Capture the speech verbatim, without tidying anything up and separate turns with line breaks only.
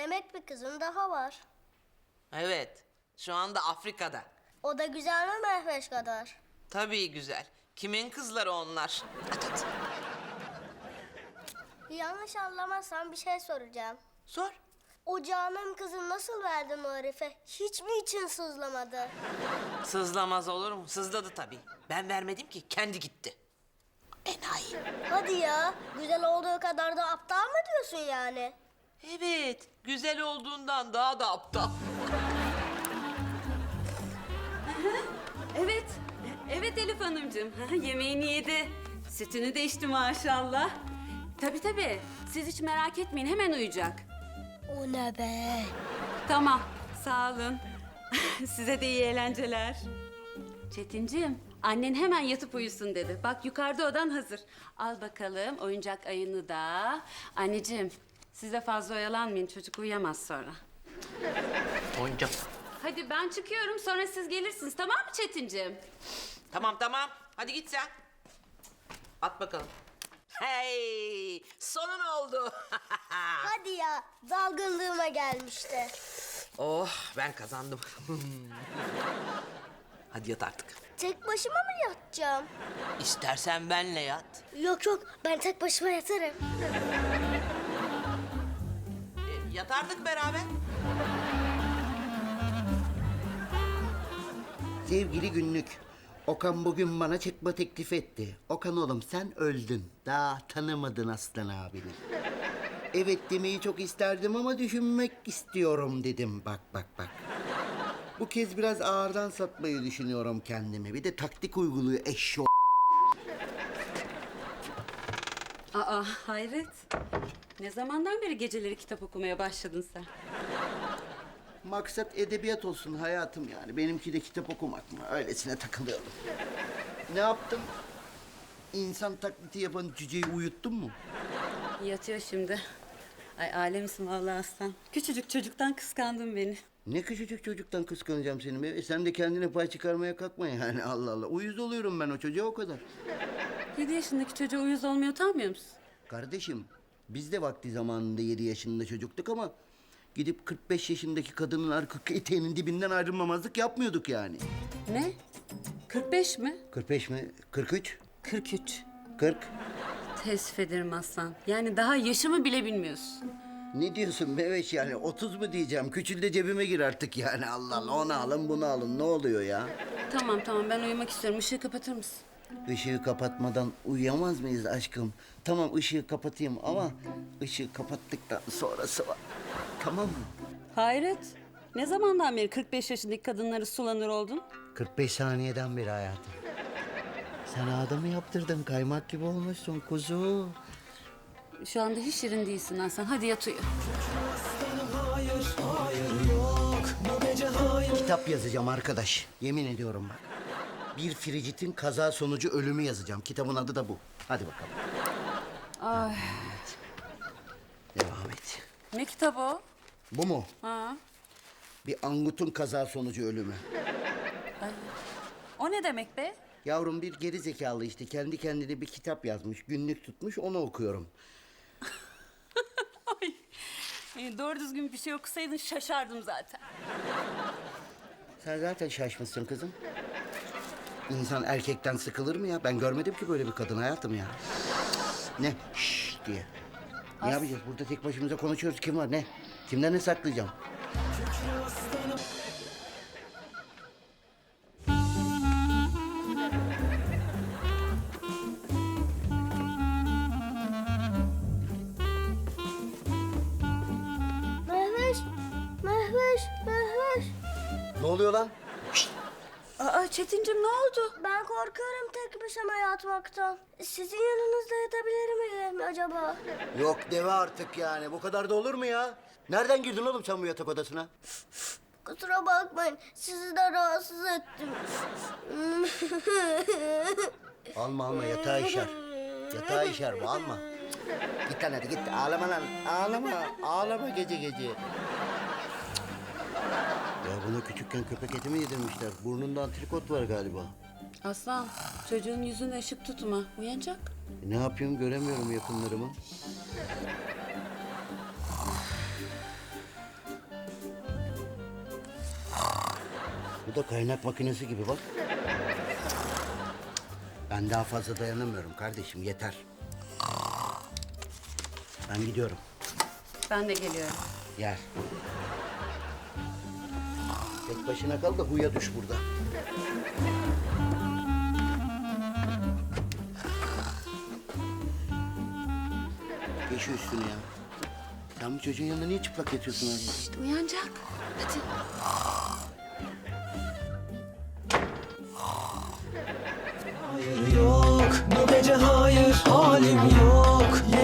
Demek bir kızın daha var.
Evet, şu anda Afrika'da.
O da güzel mi Mehveş kadar?
Tabii güzel. Kimin kızları onlar? At at.
Yanlış anlamazsan bir şey soracağım.
Sor.
O canım kızı nasıl verdin o herife? Hiç mi için sızlamadı?
Sızlamaz olur mu? Sızladı tabii. Ben vermedim ki, kendi gitti. Enayi.
Hadi ya, güzel olduğu kadar da aptal mı diyorsun yani?
Evet, güzel olduğundan daha da aptal.
Evet, evet Elif Hanımcığım. Ha, yemeğini yedi. Sütünü de içti maşallah. Tabii tabii. Siz hiç merak etmeyin, hemen uyuyacak.
O ne be?
Tamam, sağ olun. Size de iyi eğlenceler. Çetinciğim, annen hemen yatıp uyusun dedi. Bak yukarıda odan hazır. Al bakalım oyuncak ayını da. Anneciğim, siz de fazla oyalanmayın. Çocuk uyuyamaz sonra.
Oyuncak.
Hadi ben çıkıyorum, sonra siz gelirsiniz. Tamam mı Çetinciğim?
Tamam tamam, hadi git sen. At bakalım. Hey, sonun oldu.
Hadi ya, dalgınlığıma gelmişti.
Oh, ben kazandım. Hadi yat artık.
Tek başıma mı yatacağım?
İstersen benle yat.
Yok yok, ben tek başıma yatarım.
E, yatardık beraber.
Sevgili günlük, Okan bugün bana çıkma teklif etti. Okan oğlum sen öldün. Daha tanımadın Aslan abini. Evet demeyi çok isterdim ama düşünmek istiyorum dedim. Bak bak bak. Bu kez biraz ağırdan satmayı düşünüyorum kendimi. Bir de taktik uyguluyor eşşo.
Aa, hayret. Ne zamandan beri geceleri kitap okumaya başladın sen?
Maksat edebiyat olsun hayatım yani. Benimki de kitap okumak mı? Öylesine takılıyorum. Ne yaptım? İnsan taklidi yapan cüceyi uyuttun mu?
Yatıyor şimdi. Ay alemsin vallahi aslan. Küçücük çocuktan kıskandın beni.
Ne küçücük çocuktan kıskanacağım seni be. E sen de kendine pay çıkarmaya kalkma yani Allah Allah. Uyuz oluyorum ben o çocuğa o kadar.
Yedi yaşındaki çocuğa uyuz olmaya utanmıyor musun?
Kardeşim biz de vakti zamanında yedi yaşında çocuktuk ama... ...gidip kırk beş yaşındaki kadının arka eteğinin dibinden ayrılmamazlık yapmıyorduk yani.
Ne? kırk beş mi?
kırk beş mi? kırk üç?
kırk üç.
kırk.
Teessüf ederim aslan. Yani daha yaşımı bile bilmiyorsun.
Ne diyorsun Meveş yani otuz mu diyeceğim? Küçül de cebime gir artık yani Allah Allah. Onu alın bunu alın ne oluyor ya?
Tamam tamam ben uyumak istiyorum. Işığı kapatır mısın?
Işığı kapatmadan uyuyamaz mıyız aşkım? Tamam ışığı kapatayım ama ışığı kapattıktan sonrası var. Tamam mı?
Hayret. Ne zamandan beri kırk beş yaşındaki kadınları sulanır oldun?
kırk beş saniyeden beri hayatım. Sen adamı yaptırdın kaymak gibi olmuşsun kuzu.
Şu anda hiç şirin değilsin Aslan. Hadi yat uyu.
Kitap yazacağım arkadaş. Yemin ediyorum bak. Bir Fricit'in kaza sonucu ölümü yazacağım. Kitabın adı da bu. Hadi bakalım.
Ay.
Devam et.
Ne kitabı o?
Bu mu?
Ha.
Bir angutun kaza sonucu ölümü.
O ne demek be?
Yavrum bir geri zekalı işte kendi kendine bir kitap yazmış. Günlük tutmuş onu okuyorum.
Ay. E, doğru düzgün bir şey okusaydın şaşardım zaten.
Sen zaten şaşmışsın kızım. İnsan erkekten sıkılır mı ya? Ben görmedim ki böyle bir kadın hayatım ya. Ne? Şşş diye. Ne yapacağız? Burada tek başımıza konuşuyoruz. Kim var? Ne? Kimden ne saklayacağım?
Mehveş, Mehveş, Mehveş.
Ne oluyor lan?
Aa Çetincim ne oldu?
Ben korkuyorum tek başıma yatmaktan. Sizin yanınızda yatabilir miyim acaba?
Yok deve artık yani. Bu kadar da olur mu ya? Nereden girdin oğlum sen bu yatak odasına?
Kusura bakmayın, sizi de rahatsız ettim.
Alma alma yatağa işer. Yatağa işer bu alma. Git lan hadi git. Ağlama lan. Ağlama. Ağlama gece gece. Ya buna küçükken köpek eti mi yedirmişler? Burnunda antrikot var galiba.
Aslan çocuğun yüzüne ışık tutma. Uyanacak.
E ne yapayım göremiyorum yakınlarımı. Bu da kaynak makinesi gibi bak. Ben daha fazla dayanamıyorum kardeşim, yeter. Ben gidiyorum.
Ben de geliyorum.
Gel. Tek başına kal da huya düş burada. Geç şu üstüne ya. Sen bu çocuğun yanında niye çıplak yatıyorsun abi?
İşte uyanacak. Hadi.
Hayır yok, bu gece hayır, halim yok.